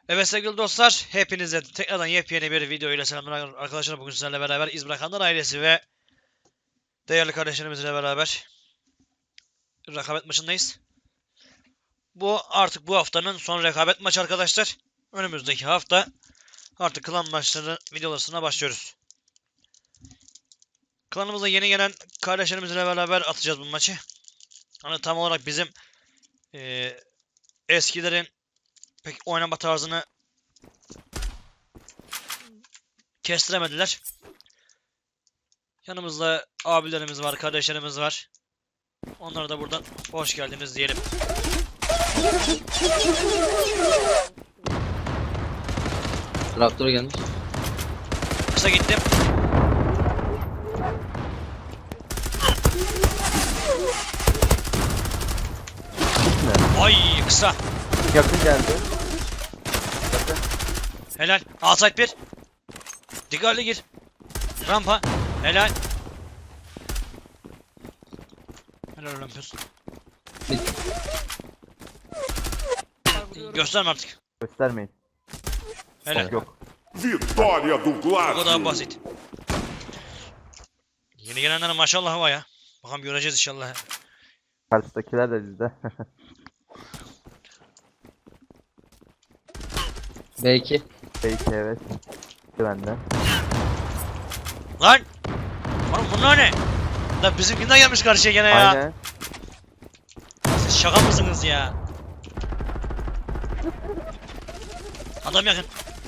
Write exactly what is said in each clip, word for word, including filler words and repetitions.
Evet sevgili dostlar, hepinize tekrardan yepyeni bir video ile selamlar arkadaşlar. Bugün sizlerle beraber İz Bırakanlar ailesi ve değerli kardeşlerimizle beraber rekabet maçındayız. Bu artık bu haftanın son rekabet maçı arkadaşlar. Önümüzdeki hafta artık klan maçları videolarına başlıyoruz. Klanımıza yeni gelen kardeşlerimizle beraber atacağız bu maçı. Hani tam olarak bizim e, eskilerin pek oynama tarzını kestiremediler. Yanımızda abilerimiz var, kardeşlerimiz var. Onlara da buradan hoş geldiniz diyelim. Traktör gelmiş. Kısa gittim. Ay kısa. Yakın geldi. Yakın. Helal. Outside bir. Dikkatli gir. Rampa. Helal. Helal Olympus. Gösterme artık. Göstermeyin. Helal. Yok. Vitória do Bu kadar Gládio. basit. Yeni gelenlere maşallah var ya. Bakalım göreceğiz inşallah. Karşıdakiler de bizde. B iki. Belki evet. Bende. Lan! Oğlum bunlar ne? Lan bizimkinden gelmiş karşıya gene ya. Aynen. Siz şaka mısınız ya? Adam yakın.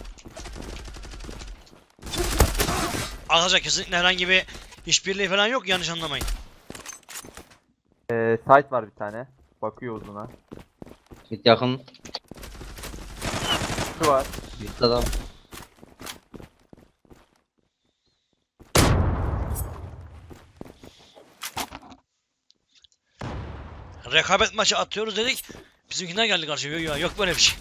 Arkadaşlar kesinlikle herhangi bir işbirliği falan yok, yanlış anlamayın. Ee, site var bir tane. Bakıyor uzuna. Git yakın. Şu var. Git adam. Rekabet maçı atıyoruz dedik. Bizimkinden geldi karşıya. Yok, yok böyle bir şey.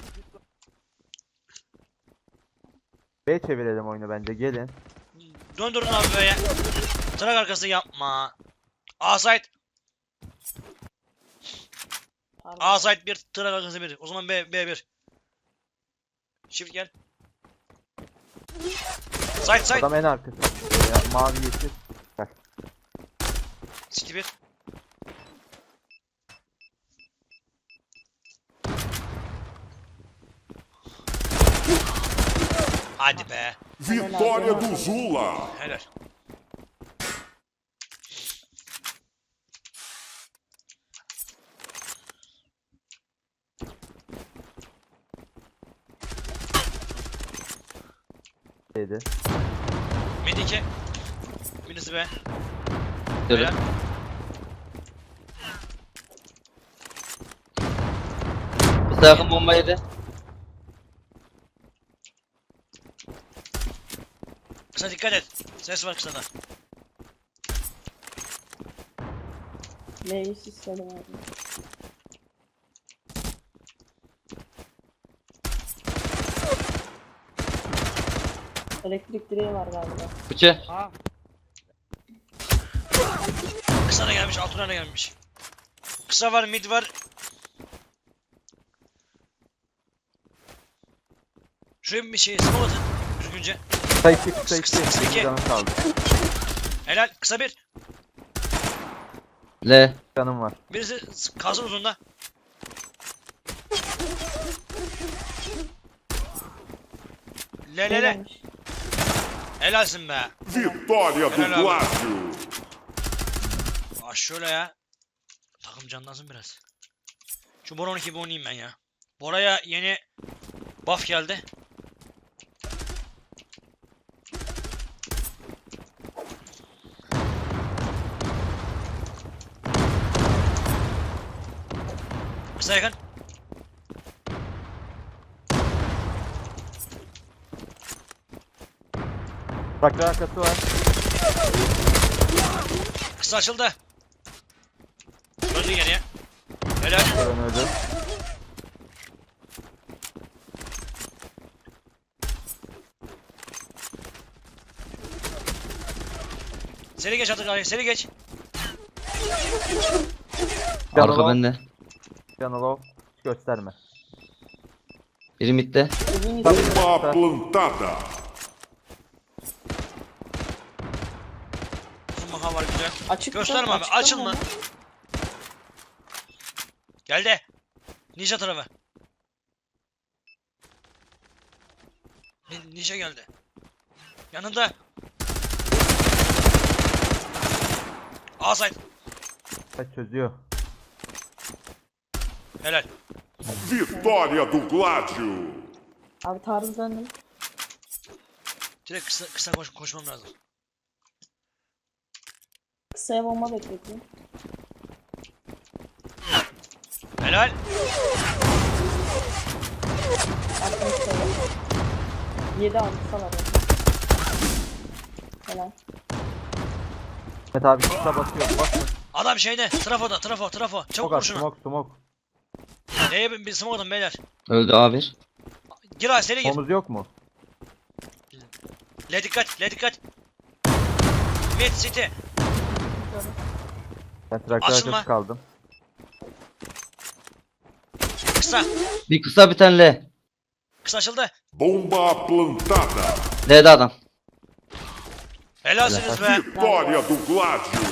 B çevirelim oyunu bence. Gelin. Döndürün abi böyle. Trak arkası yapma. A-side. A-side bir, trak arkası bir. O zaman B, B bir. Shift gel. Side side. Adam en arkası. Ya, mavi yeşil. Bak. City bir. Hadi be. Vitória do Zula. Helal. Şeydi. Mid iki. Birisi be. Şöyle. Helal. Kısa yakın bomba yedi. Kısa dikkat et. Ses var kısada. Neyi istedim abi. Elektrik direği var galiba. Bıçı. Kısa da gelmiş, altına da gelmiş. Kısa var, mid var. Şuraya bir şey, smoke atın. Düzgünce. Kısa iki, kısa iki. Kısa- kısa iki. Benim canım kaldı. Helal, kısa bir. L. Canım var. Birisi kalsın uzunda. Le le le. Gelmiş. Helalsin be. Vitória do Helal abi. Gládio. Aa şöyle ya. Takım canlansın biraz. Şu Bora on iki bir oynayayım ben ya. Bora'ya yeni buff geldi. Kısa yakın. Traktör arkası var. Kısa açıldı. Döndü geriye. Helal. Ben öldüm. Seri geç artık abi, seri geç. Arka bende. Canalo. Hiç gösterme. Biri midde. Uzun gidiyor. Bomba plantada. Maha var güzel. Açık Gösterme mı? abi, Açıkta açılma. mı? Geldi. Ninja tarafı. Ni- Ninja geldi. Yanında. A side. Kaç çözüyor. Helal. Vitória do Gládio. Abi tarzı döndüm. Direkt kısa, kısa koş, koşmam lazım. Kısaya bomba bekletiyorum. Helal. Attım kısaya. Yedi abi kısa var. Helal. Mehmet abi kısa basıyor. Basın. Adam şeyde. Trafoda. Trafo. Trafo. Çabuk Smoke vur at. şuna. Smoke smoke. Neye bir, bir smoke atın beyler. Öldü A bir. Gir abi seri gir. Omuz yok mu? Le dikkat. Le dikkat. Mid city. Ben traktör Açılma. arkası kaldım. Kısa. Bir kısa bir tane L. Kısa açıldı. Bomba plantada. L'de adam. Helalsiniz be. Vitória do Gládio.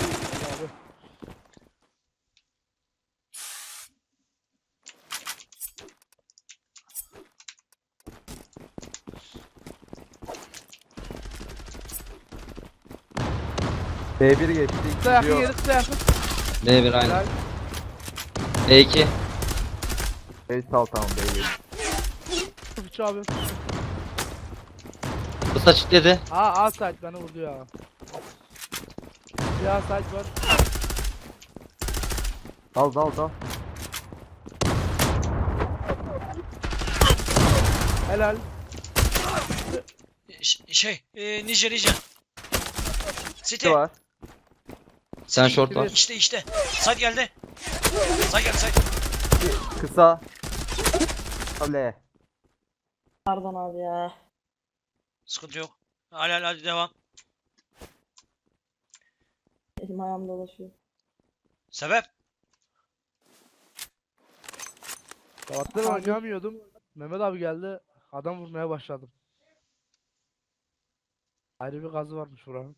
B bir geçti. Kısa yakın Gidiyor. yeri kısa yakın. B bir aynı. Helal. B iki. B sal tamam B bir. Üç abi. Kısa çitledi. Aa A site beni vurdu ya. Bir A site var. Dal dal dal. Helal. Ş- şey. E, Ninja Ninja. City. Ne var? Sen short var. İşte işte. Side geldi. Side geldi side. Kısa. L. Pardon abi ya. Sıkıntı yok. Hadi hadi hadi devam. Elim ayağım dolaşıyor. Sebep? Sabahtan oynayamıyordum. Mehmet abi geldi. Adam vurmaya başladım. Ayrı bir gazı varmış buranın.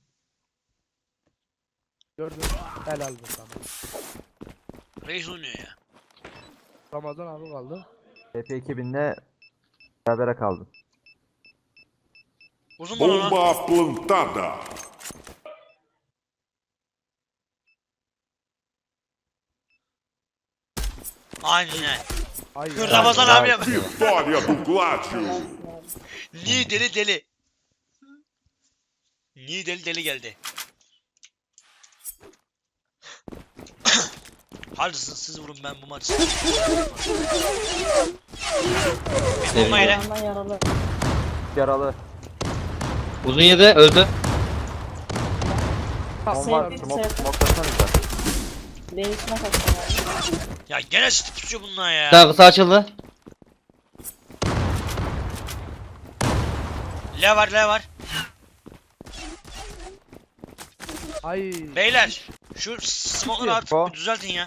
Gördüm. Helal be sana. Reis oynuyor ya. Ramazan abi kaldı. B P ekibinle berabere kaldım. Uzun bana lan. Bomba plantada. Aynen. Ay Dur, ya. Ramazan abi yap. Vitória do Gládio. Helalsin abi. Ni deli deli. Ni deli deli geldi. Hadi siz, siz vurun ben bu maçı. Bir bomba yine. Ayağından yaralı. Yaralı. Uzun yedi öldü. Bomba Sevdim, var. Smoke, sevdim. smoke'lasanıza. Değişime kaçtım abi. Ya gene sıkı tutuyor bunlar ya. Bir tane kısa açıldı. Le var le var. Ay. Beyler şu smoke'ları artık O. bir düzeltin ya.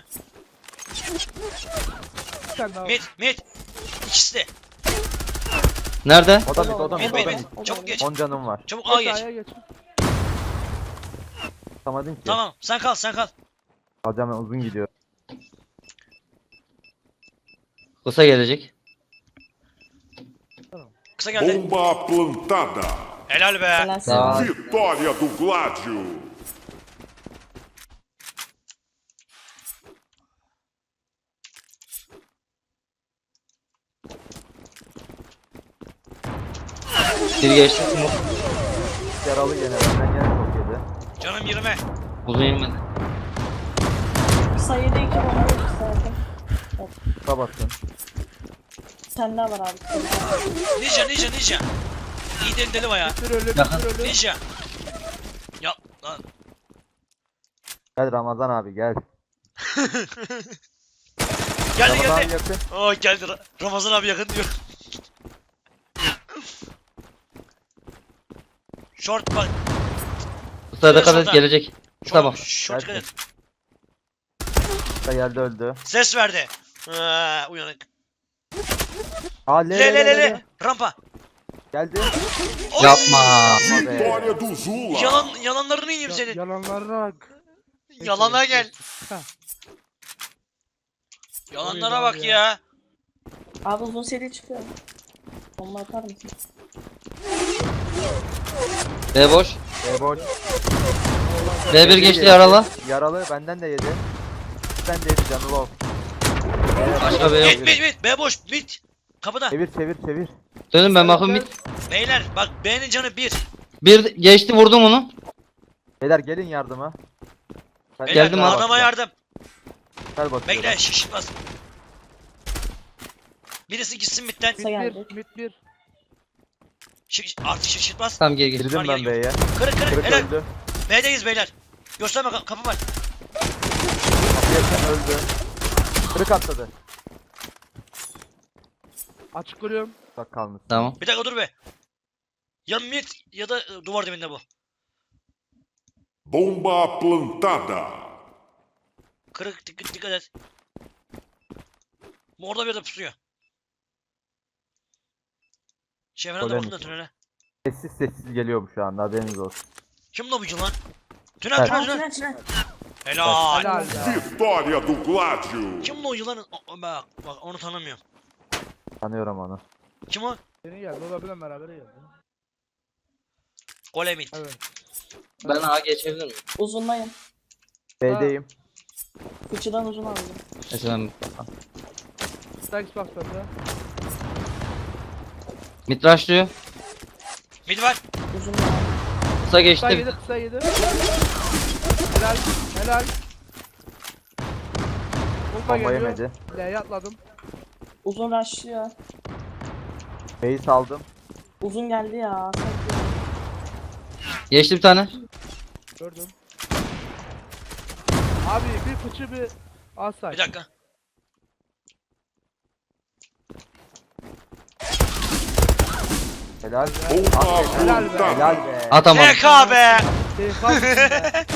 Bir tane daha. Mid mid. İkisi de. Nerede? O da mid, o da Mid mid, mid o da mid. mid. Çabuk geç. on canım var. Çabuk A Geç, geç. A'ya geç. Tutamadın ki. Tamam sen kal sen kal. Alacağım ben uzun gidiyor. Kısa gelecek. Kısa geldi. Bomba plantada. Helal be. Helalsin. Aa. Vitória do Gládio. Biri geçti. Smoke. Yaralı gene benden gene çok yedi. Canım yirmi. Uzun yemedi. Kısa yedi iki bomba yok kısa yakın. Kısa basın. Sen daha var abi. Ninja ninja ninja. İyi deli deli bayağı. Bir ölü, Yakın. bir ölü. Ninja. Ya lan. Gel Ramazan abi gel. Geldi Ramazan abi geldi. yakın. Oo geldi. Ra- Ramazan abi yakın diyor. Short bak. Kısa dikkat et Solda. gelecek. Kısa Short, bak. short dikkat et. Kısa geldi öldü. Ses verdi. Ha, uyanık. Aa le Le le le le. Rampa. Geldi. Oy! Yapma. Yapma be. Vitória do Zula. Yalan, yalanlarını yiyeyim Ya- senin. yalanlarına bak. Yalana gel. Heh. Yalanlara Oraya bak abi ya. ya. Abi uzun seri çıkıyor. Bomba atar mısın? B boş. E boş. B bir geçti yaralı. Yaralı benden de yedi. Ben de yedi canı low. Başka B Mid yok. mid mid. B boş mid. Kapıda. Çevir çevir çevir. Dönün ben bakın mid. Beyler bak B'nin canı bir. Bir geçti vurdum onu. Beyler gelin yardıma. Ben Beyler Geldim abi. adama yardım. Gel bakıyorum. Bekle şişmez. Birisi gitsin midden. Mid geldi. bir, mid bir. Şiş, artık şişirtmez. Tamam geri geri. Girdim Var, ben geliyor. B'ye. Kırık kırık. Kırık Helal. öldü. B'deyiz beyler. Gösterme ka- kapı var. Yakın öldü. Kırık atladı. Açık kuruyorum. Bak kalmış. Tamam. Bir dakika dur be. Ya mid ya da e, duvar dibinde bu. Bomba plantada. Kırık dikkat, dikkat et. Bu orada bir de pusuyor. Şevren de Golem bakın da mi? tünele. Sessiz sessiz geliyor bu şu anda haberiniz olsun. Kim la bu lan? Tünel Evet. tünel Aa tünel. tünel tünel. Helal. Helal be. Vitória do Gládio. Kim la o yılanın? O- Bak bak onu tanımıyorum. Tanıyorum onu. Kim o? Yeni geldi. O da benimle beraber geldi. Golemit. Evet. Ben A geçebilir miyim? Uzundayım. B'deyim. Fıçıdan uzun aldım. Mesela ben Stax bak bende. mid rushlıyor. Mid var. Uzun aldım. Kısa Kısa geçti. yedi, kısa yedi. Helal, helal. Bomba Bomba geliyor. yemedi. L'ye atladım. Uzun rushlıyor. B'yi saldım. Uzun geldi ya. Geçti bir tane. Gördüm. Abi bir fıçı bir asay. Bir dakika. Helal. Bomba Helal be. plantada. Helal be. Atamadım. T K be. Keyif almışsın be.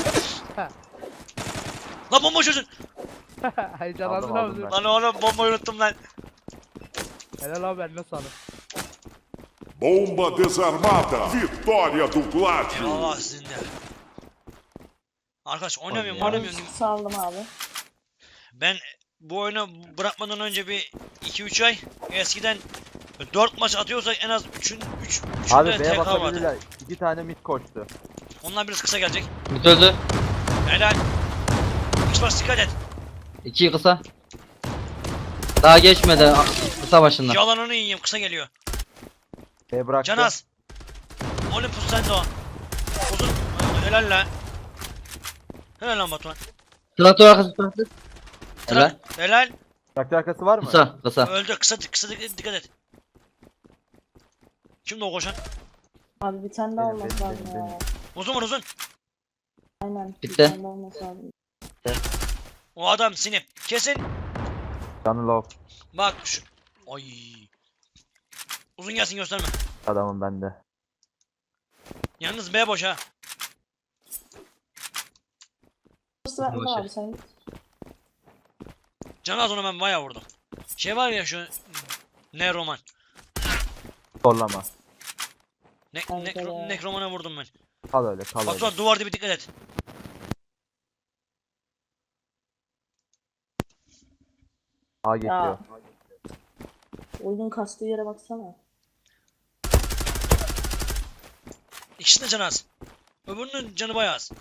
Lan bomba çözün. Heyecanlandın Aldım, aldım abi. ben. Lan oğlum bombayı unuttum lan. Helal abi eline sağlık. Bomba desarmada. Vitória do Gládio. Allah sizinle. Arkadaş oynamıyorum Oynuyor. oynamıyorum. Saldım abi. Ben bu oyunu bırakmadan önce bir iki üç ay eskiden dört maç atıyorsak en az üçün üç Abi üçünde B'ye T K vardı. bakabilirler. İki tane mid koştu. Ondan birisi kısa gelecek. Mid öldü. Helal. Xbox dikkat et. İki kısa. Daha geçmedi. a- Kısa başında. Yalanını yiyeyim kısa geliyor. B bıraktı. Canaz. Olympus sen de o. Uzun. Helal lan. Helal lan Batuhan. Traktör arkası traktör. Helal. Helal. Helal. Traktör arkası var mı? Kısa kısa. Öldü. Kısa kısa dik- dikkat et. Kimdi o koşan? Abi bir tane daha Benim, olması benim, lazım benim, ya. Uzun var uzun. Aynen. Bir Bitti. tane daha olması lazım. O adam sinip. Kesin. Canı low. Bak şu. Ay. Uzun gelsin gösterme. Adamım bende. Yalnız B boş ha. Sıra Boş ver. abi sen git. Canaz onu ben bayağı vurdum. Şey var ya şu. Ne roman. Zorlama. Ne, Kanka nekro, ya. nekromana vurdum ben. Kal öyle kal öyle. Batuhan duvar dibi dikkat et. A geçiyor. Ya. Oyunun kastığı yere baksana. İkisinin canı az. Öbürünün canı bayağı az.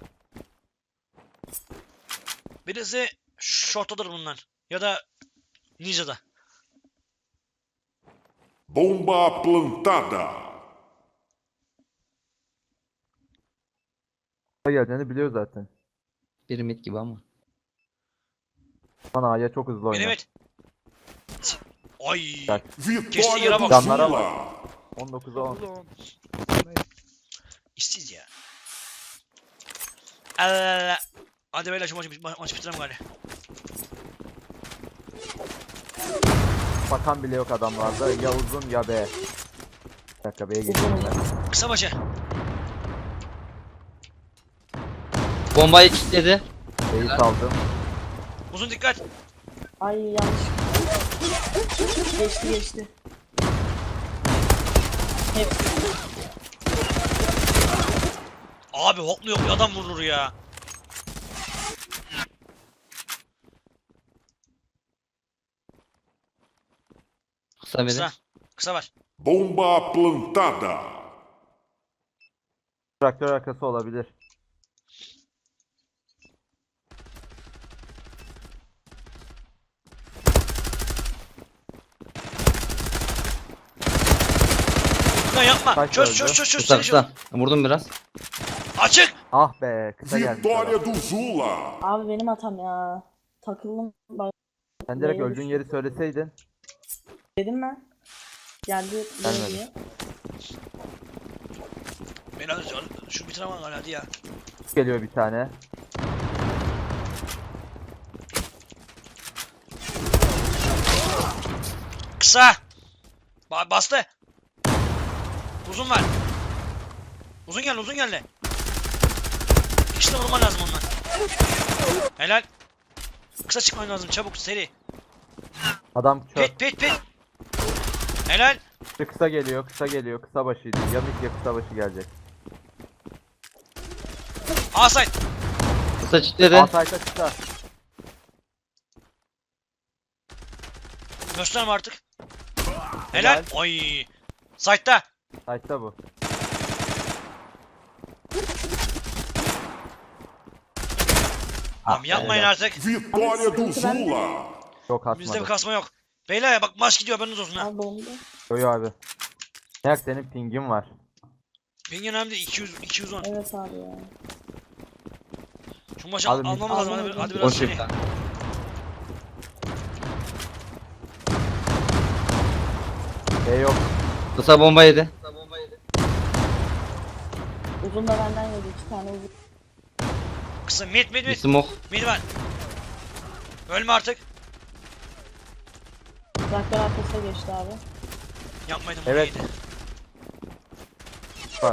Birisi shorttadır bunlar. Ya da ninja'da. Bomba plantada. A geldiğini biliyor zaten. Bir mid gibi ama. Bana A'ya çok hızlı oynar. Evet. Ay. Bak. Vitória do Canlara Zula. on dokuza on. Ulan. İşsiz ya. Allah. Hadi beyler şu maçı, ma maçı bitirelim gari. Bakan bile yok adamlarda. Ya uzun ya B. Bir dakika B'ye geçeyim ben. Kısa maçı. Bombayı kilitledi. B'yi saldım. Uzun dikkat. Ay yanlış. Geçti geçti. Hepsi. Abi hoklu yok adam vurur ya. Kısa biri. Kısa. Kısa var. Bomba plantada. Traktör arkası olabilir. Lan yapma. Kaç Çöz öldü? çöz çöz çöz. Kısa Seni çöz. kısa. Vurdum biraz. Açık. Ah be kısa geldi. sana. Vitória do Zula. Abi benim hatam ya. Takıldım. Bak Sen direkt Neymiş? öldüğün yeri söyleseydin. dedim ben. Geldi Gelmedi. diye. Beni hadi şu bitiremem hala hadi ya. Geliyor bir tane. Kısa. Ba bastı. Uzun var. Uzun geldi uzun geldi. İkisini vurman lazım ondan. Helal. Kısa çıkman lazım çabuk seri. Adam çöp. Pit pit pit. Helal. Kısa geliyor, kısa geliyor, kısa başıydı. Yanık ya kısa başı gelecek. Asay. Kısa çitledi. Asayta kısa. Gösterme artık. Helal. Helal. Oy. Sight'ta. Sayta bu. Tamam yapmayın helal. artık. Vitória do Zula. Yok Bizde bir atmadı. kasma yok. Beyler bak maç gidiyor haberiniz olsun ha. Abi bomba. Yo yo abi. Ne yak senin pingin var. Ping önemli değil. iki yüz iki yüz on. Evet abi ya. Şu maçı Abi, almamız lazım. Hadi, hadi biraz Boş seri. yüklen. E yok. Kısa bomba yedi. Uzun da benden yedi. iki tane uzun. Kısa mid mid Bir mid. smoke. Mid var. Ölme artık. Traktör arkasına geçti abi. Yapmaydım. Evet. iyiydi. Var.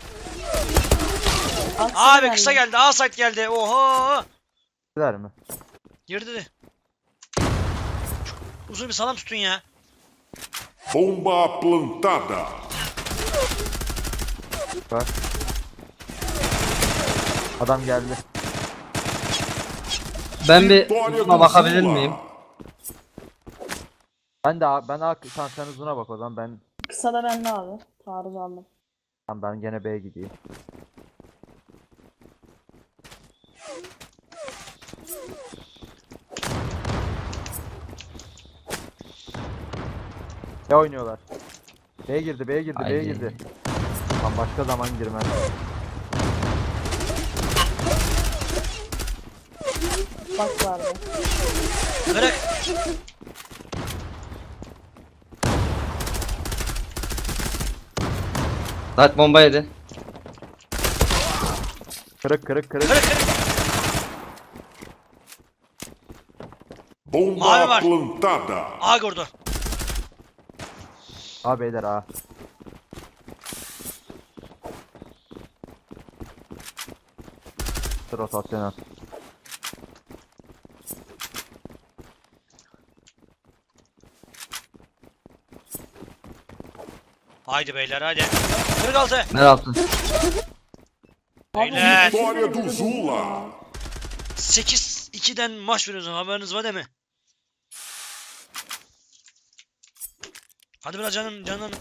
Al, Abi geldi. kısa geldi. A site geldi. Oho. Güzel mi? Girdi dedi. Uzun bir salam tutun ya. Bomba plantada. Var. Adam geldi. Ben bir Vitória uzuna do bakabilir Zula. miyim? Ben de A- ben A sen sen uzuna bak o zaman ben Kısa da bende abi. Taarruz aldım. ben, ben gene B'ye gideyim. Ne oynuyorlar? B'ye girdi, B'ye girdi, B'ye Haydi. girdi. Tam başka zaman girmez. Bak vardı. Kırık. Light bomba yedi. Kırık kırık kırık. Kırık kırık. Bomba Mavi var. plantada. A gördü. A beyler A. Rotasyon at. Haydi beyler hadi. kırk altı. Mer altı. Beyler. Vitória do Zula. sekiz ikiden maç veriyoruz haberiniz var değil mi? Hadi biraz canım canım.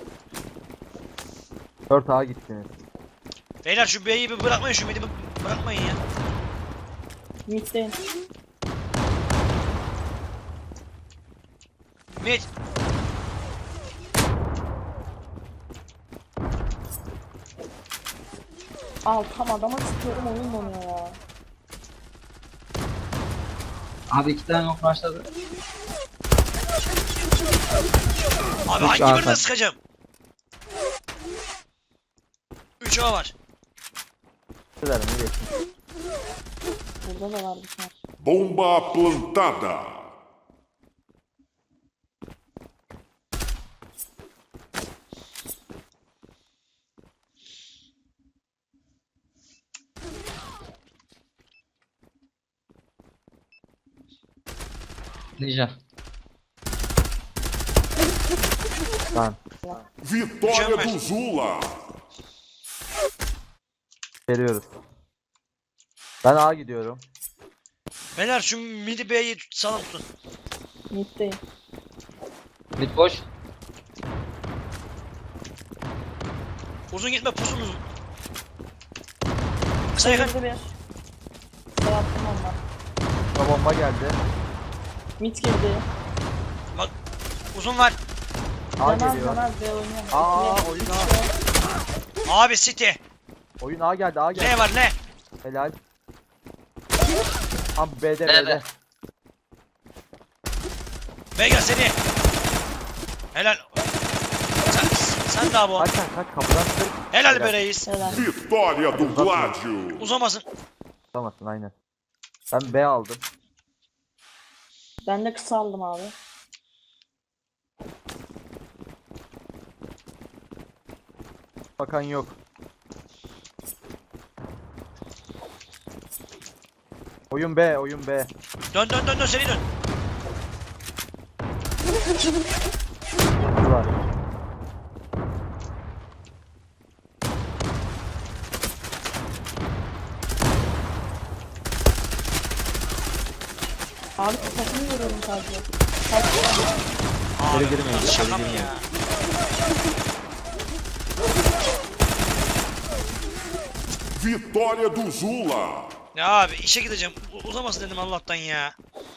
dört A gittiniz. Beyler şu B'yi bir bırakmayın şu mid'i bir bırakmayın ya. Mid'deyim. Mid. Al tam adama sıkıyorum oyun donuyor ya. Abi iki tane ok başladı. Abi Üç hangi A birine var. sıkacağım? üç A var. Güzel mi geçsin? Burada da var bir tane. Bomba plantada. Ninja. Lan Vitória Mükemmel. do Zula. Geliyoruz. Ben A gidiyorum. Beyler şu midi B'yi sağlam tutun. Mid'deyim. Mid boş. Uzun gitme pusun uzun. Kısa yakın. Sayıldı bir. Şey yaptım ondan. Kısa bomba geldi. Mid girdi. Uzun var. A Canaz geliyor. canaz B oynuyor. Aa, İkili. oyun Üç A. B. Abi City. Oyun A geldi, A geldi. Ne var ne? Helal. Tam B'de B, B'de. B. B gel seni. Helal. Sen, sen de abi o. Kaç kaç kaç kapıdan çık. Helal be reis. Helal. Vitória do Gládio. Uzamasın. Tutamazsın aynen. Ben B aldım. Ben de kısa aldım abi. Bakan yok. Oyun B, oyun B. Dön dön dön dön seni dön. Kutu var. Abi kafasını görüyorum sadece. Kaç Abi girmeyin, bunlar içeri şaka mı girmeyin. ya? Vitória do Zula. Ya abi işe gideceğim. U- uzamasın dedim Allah'tan ya.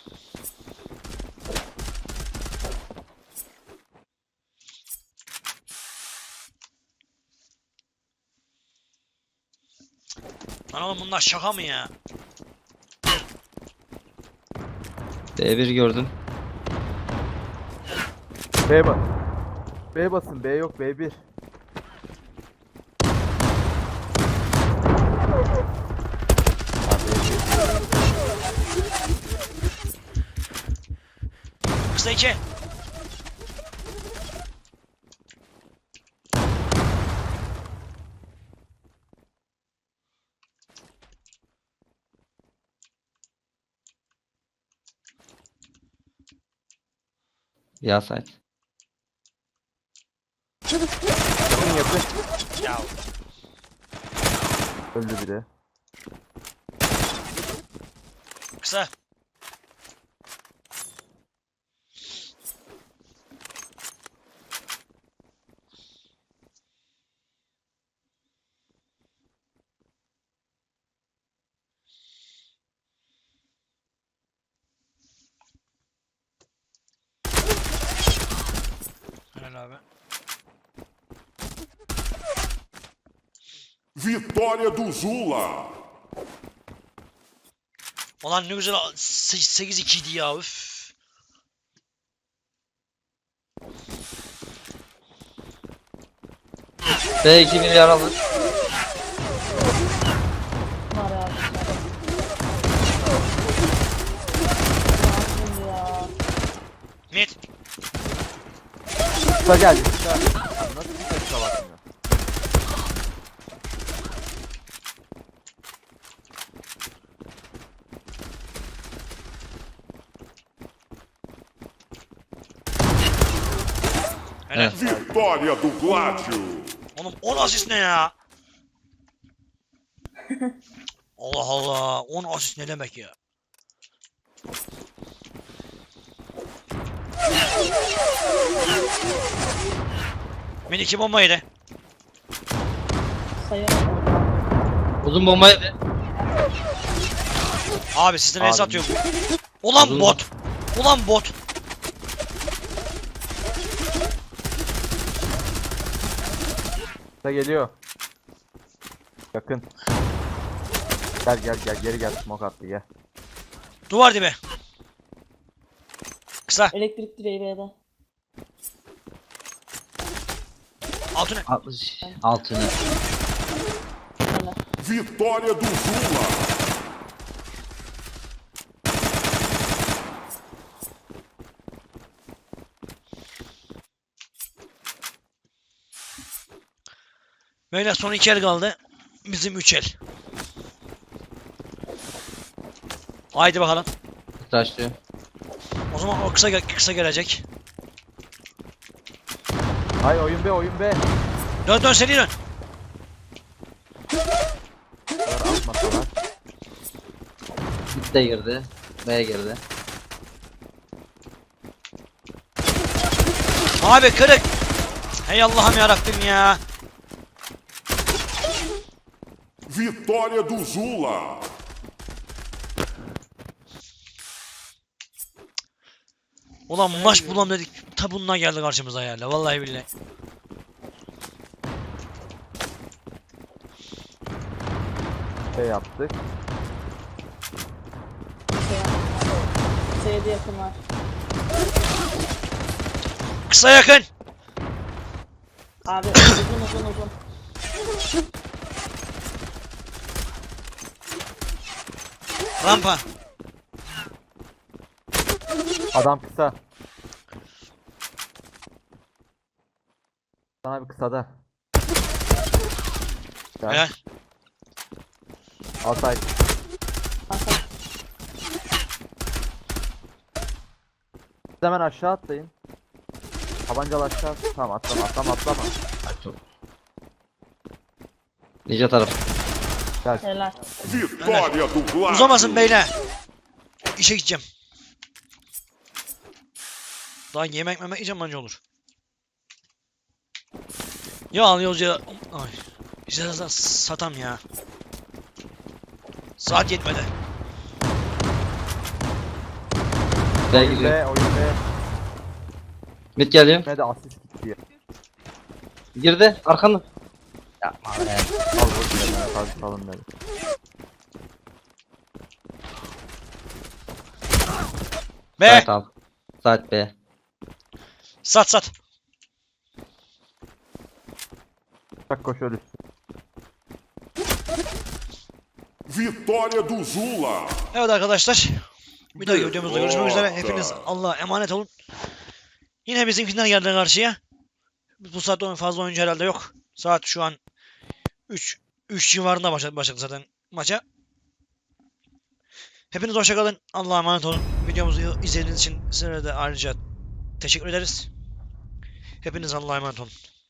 Lan oğlum bunlar şaka mı ya? B bir gördüm. B bas. B basın, B yok, B bir. Kısa iki. Ya site. Yakın yakın. Ya Öldü biri. kısa. Helal abi. Vitória do Zula. Ulan ne güzel sekiz iki idi ya üf. B iki bir yaralı. var ya. Şimdi ya. Mid. Kısa geldi, kısa. Abi nasıl bir kısa bakmıyor? Helal. Evet. Vitória do Gládio. Oğlum on asist ne ya? Allah Allah. on asist ne demek ya? Mid iki bomba yedi. Sayamadım. Uzun bomba yedi. Abi sizden el Abi. satıyor bu. Ulan Uzun- bot. Ulan bot. Kısa geliyor. Yakın. Gel gel gel, geri gel, smoke attı gel. Duvar dibi. Kısa. Elektrik direği B'de. Altı ne? altmış altını. Helal. Vitória do Zula. Böyle son iki el kaldı. Bizim üç el. Haydi bakalım. Taşlıyor. O zaman o kısa gel- kısa gelecek. Hay oyun be oyun be. Dön dön seni dön. Bunlar atmasalar. Mid de girdi. B'ye girdi. Abi kırık. Hey Allah'ım yarabbim ya. Vitória do Zula. Ulan maç bulam dedik. Ta bununla geldi karşımıza yani. Vallahi billahi. Şey yaptık. Şey C'de yakın var. Kısa yakın. Abi uzun uzun uzun. Rampa. Adam kısa. Sana bir kısada. Gel. Helal. Altay. Hasan. Siz hemen aşağı atlayın. Tabancalı aşağı at. Tamam atlama atlama atlama. Ninja taraf. Helal. Vitória do Gládio. Uzamasın beyler. İşe gideceğim. Daha yemek memek yiyeceğim bence olur. Ya alıyoruz ya. Ay. İşte sa- satam ya. Saat yetmedi. B Oyun gidiyor. be oyun be. Mid geliyor. Ne de asist gitti. Girdi. Arkanda. Yapma be. Al boş ver ya. Hadi salın beni. Be. Saat al. Saat B. Sat sat. Bak koş ölürsün. Vitória do Zula. Evet arkadaşlar. Bir dahaki videomuzda görüşmek üzere. Derrota. Hepiniz Allah'a emanet olun. Yine bizimkiler geldi karşıya. Bu saatte fazla oyuncu herhalde yok. Saat şu an üç üç civarında başladı, başladı zaten maça. Hepiniz hoşça kalın. Allah'a emanet olun. Videomuzu izlediğiniz için sizlere de ayrıca teşekkür ederiz. Hepiniz Allah'a emanet olun.